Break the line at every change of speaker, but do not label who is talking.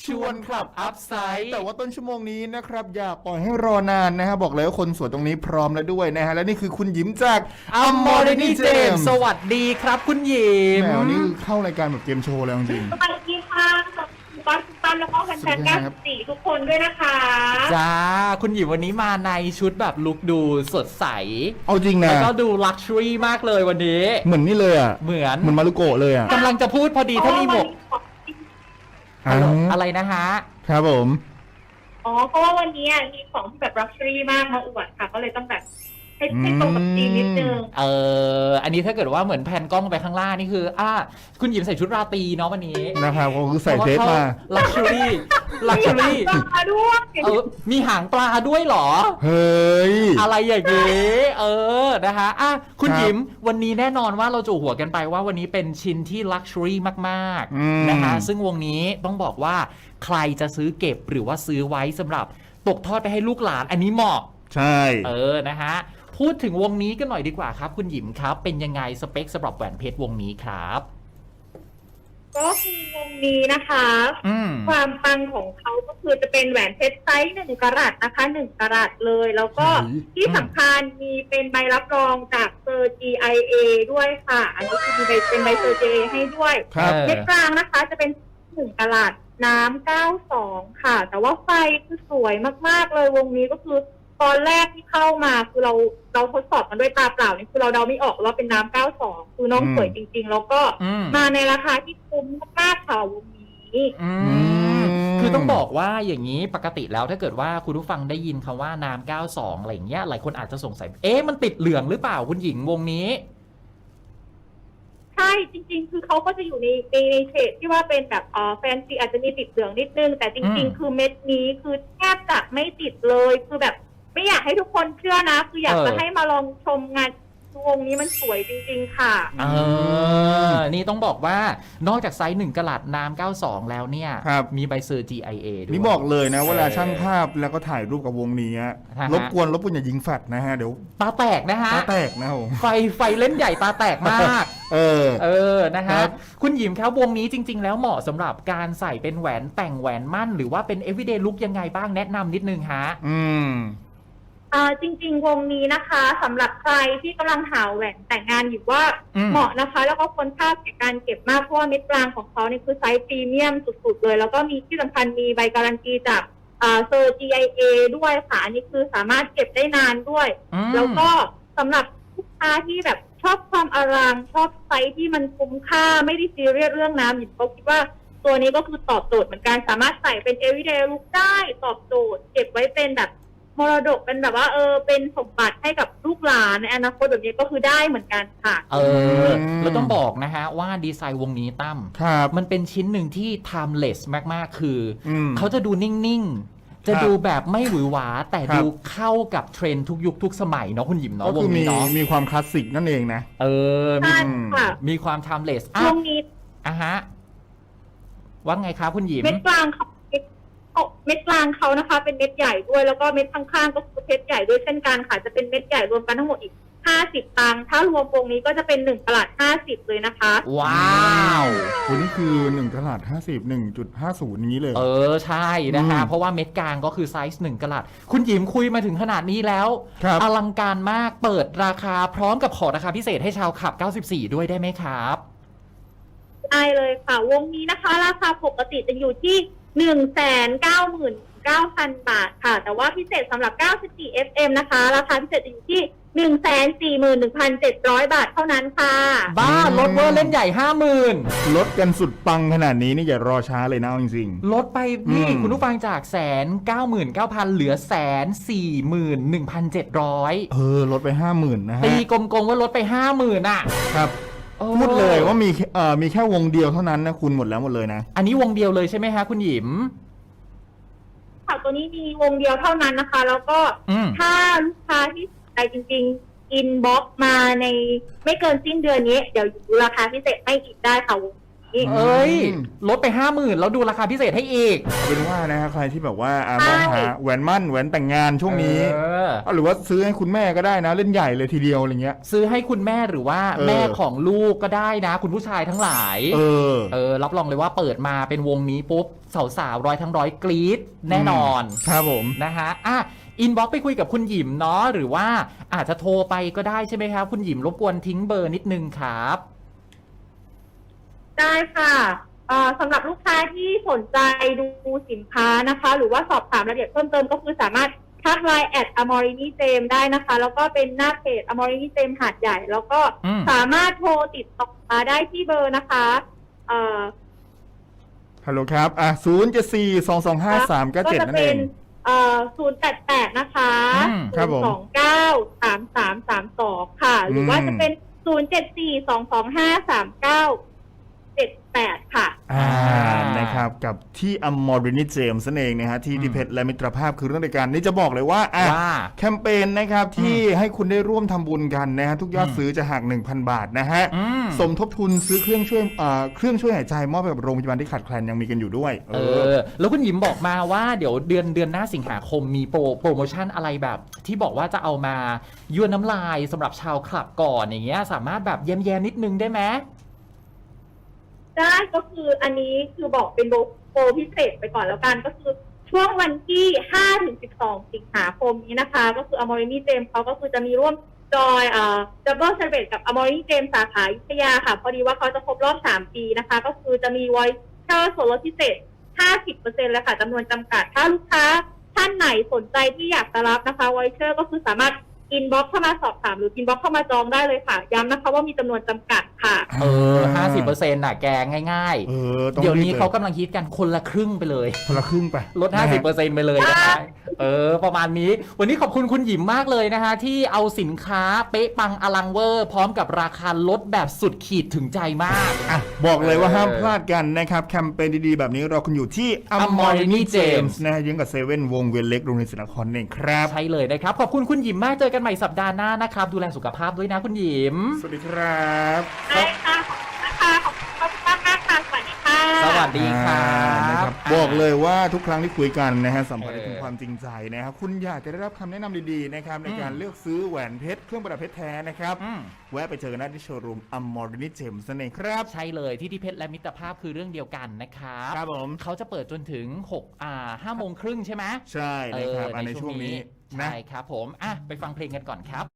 ชวนขับอัพไซด์แต่ว่าต้นชั่วโมงนี้นะครับอย่าปล่อยให้รอนานนะฮะบอกเลยว่าคนสวยตรงนี้พร้อมแล้วด้วยนะฮะและนี่คือคุณหยิมจาก
อัมมอร์นี่เจมสวัสดีครับคุณหยิม
แมวนี่เข้ารายการแบบเกมโชว์แล้วจริง
สวัสดีค่ะคุณป้าแล้วก็แฟนๆ94ทุกคนด้วยนะคะ
จ้าคุณหยิมวันนี้มาในชุดแบบลุคดูสดใส
เอาจริงนะ
แล้วก็ดูลักชัวรี่มากเลยวันนี้
เหมือนนี่เลยอ่ะ
เหมือน
มารุโกะเลยอ่ะ
กำลังจะพูดพอดีถ้ามีหมวกอะไรนะฮะ
ครับผม
เพราะว่าวันนี้มีของที่แบบลักชัวรี่มากมาอวดค่ะก็เลยต้องแบบให้ตรงกับธีมนิดนึง
อันนี้ถ้าเกิดว่าเหมือนแผ่นกล้องไปข้างล่างนี่คือคุณหยิมใส่ชุดราตรีเนาะวันนี้
นะครับก็คือใส่เทปมา
ลักชัวรี่มีหางปลาด้วยเหรอ
เฮ้ย
อะไรอย่างงี้นะคะคุณหยิมวันนี้แน่นอนว่าเราจู่หัวกันไปว่าวันนี้เป็นชิ้นที่ลักชัวรี่มากๆนะคะซึ่งวงนี้ต้องบอกว่าใครจะซื้อเก็บหรือว่าซื้อไว้สำหรับตกทอดไปให้ลูกหลานอันนี้เหมาะ
ใช่
นะฮะพูดถึงวงนี้กันหน่อยดีกว่าครับคุณหยิมครับเป็นยังไงสเปคสำหรับแหวนเพชรวงนี้ครับ
ก็คือวงนี้นะคะความปังของเขาก็คือจะเป็นแหวนเพชรไซส์1 กะรัตนะคะ1 กะรัตเลยแล้วก็ที่สำคัญมีเป็นใบรับรองจากเซอร์ GIA ด้วยค่ะอันนี้คือเป็นใบเซอร์ GIA ให้ด้วยเม็ดกลางนะคะจะเป็น1 กะรัตน้ำ92ค่ะแต่ว่าไฟคือสวยมากๆเลยวงนี้ก็คือตอนแรกที่เข้ามาคือเราทดสอบกันด้วยตาเปล่านี่คือเราเดาไม่ออกว่าเป็นน้ำ92คือน้องสวยจริงๆแล้วก็มาในราคาที่คุ้มมากๆค่ะวงนี้
คือต้องบอกว่าอย่างนี้ปกติแล้วถ้าเกิดว่าคุณผู้ฟังได้ยินคำว่าน้ำ92อะไรอย่างเงี้ยหลายคนอาจจะสงสัยมันติดเหลืองหรือเปล่าคุณหญิงวงนี้
ใช่จริงๆคือเขาก็จะอยู่ในเฉดที่ว่าเป็นแบบแฟนซีอาจจะมีติดเหลืองนิดนึงแต่จริงๆคือเม็ดนี้คือแทบจะไม่ติดเลยคือแบบไม่อยากให้ทุกคนเชื่อนะคืออยากจะให้มาลองชมงานวงนี้มันสวยจริงๆค่ะ
นี่ต้องบอกว่านอกจากไซส์1 กะรัตน้ำ92แล้วเนี่ยมีใบเซอร์ GIA ด้วย
นี่บอกเลยนะเวลาช่างภาพแล้วก็ถ่ายรูปกับวงนี้รบกวนอย่ายิงแฟลชนะฮะเดี๋ยว
ตาแตกนะฮะ
ตาแตกนะ
ไฟเล่นใหญ่ตาแตกมากนะฮะคุณหยิมครับวงนี้จริงๆแล้วเหมาะสำหรับการใส่เป็นแหวนแต่งแหวนมั่นหรือว่าเป็น everyday look ยังไงบ้างแนะนำนิดนึงฮะ
จริงๆวงนี้นะคะสำหรับใครที่กำลังหาแหวนแต่งงานอยู่ว่าเหมาะนะคะแล้วก็ควรค่าแก่การเก็บมากเพราะว่าเม็ดกลางของเขาเนี่ยคือไซส์พรีเมียมสุดๆเลยแล้วก็มีที่สำคัญมีใบการันตีจากเซอร์ GIA ด้วยค่ะอันนี้คือสามารถเก็บได้นานด้วยแล้วก็สำหรับลูกค้าที่แบบชอบความอลังชอบไซส์ที่มันคุ้มค่าไม่ได้ซีเรียสเรื่องน้ำอยู่ก็คิดว่าตัวนี้ก็คือตอบโจทย์เหมือนกันสามารถใส่เป็น everyday look ได้ตอบโจทย์เก็บไว้เป็นแบบมรดกเป็นแบบว่าเป็นสมบัติให้กับลูกหลานในอนาคตแบบนี้ก็คือได้เหมือนกันค่ะ
เราต้องบอกนะฮะว่าดีไซน์วงนี้ตั้มมันเป็นชิ้นหนึ่งที่ timeless มากๆคือเขาจะดูนิ่งๆจะดูแบบไม่หวือหวาแต่ดูเข้ากับเทรนด์ทุกยุคทุกสมัยเนาะคุณหยิมเนาะวงนี้เนาะ
มีความคลาสสิกนั่นเองนะ
มีความ timeless
วงนี้
ฮะว่าไงครับคุณหยิม
เม็ดกลางเขานะคะเป็นเม็ดใหญ่ด้วยแล้วก็เม็ดข้างๆก็คือเพชรใหญ่ด้วยเช่นกันค่ะจะเป็นเม็ดใหญ่รวมกันทั้งหมดอีก50 ตังค์ถ้ารวมวงนี้ก็จะเป็น1 กะรัต50เลยนะคะ
ว้าว
คุณนี่คือ1 กะรัต50 1.50 นี้เลย
ใช่นะคะเพราะว่าเม็ดกลางก็คือไซส์1 กะรัตคุณหยิมคุยมาถึงขนาดนี้แล้วอลังการมากเปิดราคาพร้อมกับขอราคาพิเศษให้ชาวขับ94ด้วยได้ไหมครับ
ได้เลยค่ะวงนี้นะคะราคาปกติจะอยู่ที่199,000 บาทค่ะแต่ว่าพิเศษสำหรับ94 FM นะคะราคาพิเศษจะอยู่ที่141,700 บาทเท่านั้นค่ะ
บ้าลดเวอร์เล่นใหญ่ 50,000
ลดกันสุดปังขนาดนี้นี่อย่ารอช้าเลยนะจริง
ๆลดไปนี่คุณผู้ฟังจาก199,000เหลือ141,700
ลดไป 50,000 นะฮะ
ตีกลมๆว่าลดไป 50,000อ่ะ
ครับพูดเลยว่ามีแค่วงเดียวเท่านั้นนะคุณหมดเลยนะ
อันนี้วงเดียวเลยใช่ไหมฮะคุณหยิม
ค่ะตัวนี้มีวงเดียวเท่านั้นนะคะแล้วก็ถ้าลูกค้าที่สนใจจริงๆอินบ็อกซ์มาในไม่เกินสิ้นเดือนนี้เดี๋ยวราคาพิเศษให้อีกได้ค่ะวงนี้
เอ้ยลดไป 50,000แล้วดูราคาพิเศษให้อีก
เป็นว่านะฮะใครที่แบบว่า
ใช่
มองหาแหวนมั่นแหวนแต่งงานช่วงนี้หรือว่าซื้อให้คุณแม่ก็ได้นะเล่นใหญ่เลยทีเดียวอะไรเงี้ย
ซื้อให้คุณแม่หรือว่าแม่ของลูกก็ได้นะคุณผู้ชายทั้งหลายรับรองเลยว่าเปิดมาเป็นวงนี้ปุ๊บสาวๆร้อยกรี๊ดแน่นอน
ครับผม
นะฮะอินบ็อกซ์ไปคุยกับคุณหยิมเนาะหรือว่าอาจจะโทรไปก็ได้ใช่ไหมครับคุณหยิมรบกวนทิ้งเบอร์นิดนึงครับ
ได้ค่ะสำหรับลูกค้าที่สนใจดูสินค้านะคะหรือว่าสอบถามรายละเอียดเพิ่มเติมก็คือสามารถทักไลน์@amorini-jem ได้นะคะแล้วก็เป็นหน้าเพจ amorini-jem หาดใหญ่แล้วก็สามารถโทรติดต่อมาได้ที่เบอร์นะคะ
ฮัลโหลครับ074-225-397นั่นเอง
088นะคะ
ครับผม
293332ค่ะหรือว่าจะเป็น074-225-3978ค่ะ
นะครับกับที่ Amorini-Jem นั่นเองนะฮะที่ดิเพชรและมิตรภาพคือเรื่องในการนี่จะบอกเลยว่าแคมเปญนะครับที่ให้คุณได้ร่วมทำบุญกันนะฮะทุกยอดซื้อจะหัก 1,000 บาทนะฮะสมทบทุนซื้อเครื่องช่วยหายใจมอบให้กับโรงพยาบาลที่ขาดแคลนยังมีกันอยู่ด้วย
แล้วคุณหยิมบอกมาว่าเดี๋ยวเดือนหน้าสิงหาคมมีโปรโมชั่นอะไรแบบที่บอกว่าจะเอามายั่วน้ำลายสำหรับชาวคลับก่อนอย่างเงี้ยสามารถแบบแยมนิดนึงได้ไหม
ได้ก็คืออันนี้คือบอกเป็นโปรพิเศษไปก่อนแล้วกันก็คือช่วงวันที่5-12 สิงหาคมนี้นะคะก็คือ Amorini-Jem เขาก็คือจะมีร่วมจอยDouble Celebrate กับ Amorini-Jem สาขาอยุธยาค่ะพอดีว่าเขาจะครบรอบ3 ปีนะคะก็คือจะมีไวเชอร์ส่วนลดพิเศษ 50% เลยค่ะจำนวนจำกัดถ้าลูกค้าท่านไหนสนใจที่อยากจะรับนะคะไวเชอร์ก็คือสามารถอินบ็อกซ์เข้ามาสอบถามหรืออินบ็อกซ์เข้ามาจองได้เลยค่ะย้ำนะคะว่ามีจำนวนจำกัดค่ะ
50%น่ะแกง่ายๆเดี๋ยวนี้เขากำลังคิดกันคนละครึ่งไปเลย
คนละครึ่งไป
ลด 50% ไปเลยนะคะประมาณนี้วันนี้ขอบคุณคุณหยิมมากเลยนะคะที่เอาสินค้าเป๊ะปังอลังเวอร์พร้อมกับราคาลดแบบสุดขีดถึงใจมาก
บอกเลยว่าห้ามพลาดกันนะครับแคมเปญดีๆแบบนี้เราคุณอยู่ที่ Amorini-Jem นะฮะยังกับเซเว่นวงเวียนเล็กโรงเรียนศรีนครเองครับ
ใช่เลยนะครับขอบคุณคุณหยิมมากเจอกันใหม่สัปดาห์หน้านะครับดูแลสุขภาพด้วยนะคุณหยิม
สวัสดีครับ
ได้ค่ะขอบคุณนะคะขอบคุณมากค่ะสวัสดีค่ะ
สวัสดีครับ
บอกเลยว่าทุกครั้งที่คุยกันนะฮะสัมผัสได้ถึงความจริงใจนะครับคุณอยากจะได้รับคำแนะนำดีๆนะครับในการเลือกซื้อแหวนเพชรเครื่องประดับเพชรแท้นะครับแวะไปเจอกันได้ที่โชว์รูม Amorini-Jem นั่นเองครับ
ใช่เลยที่เพชรและมิตรภาพคือเรื่องเดียวกันนะครับ
ครับผม
เขาจะเปิดจนถึง5 โมงครึ่งใช่ไหม
ใช่นะครับในช่วงนี้
ใช่ครับผมไปฟังเพลงกันก่อนครับ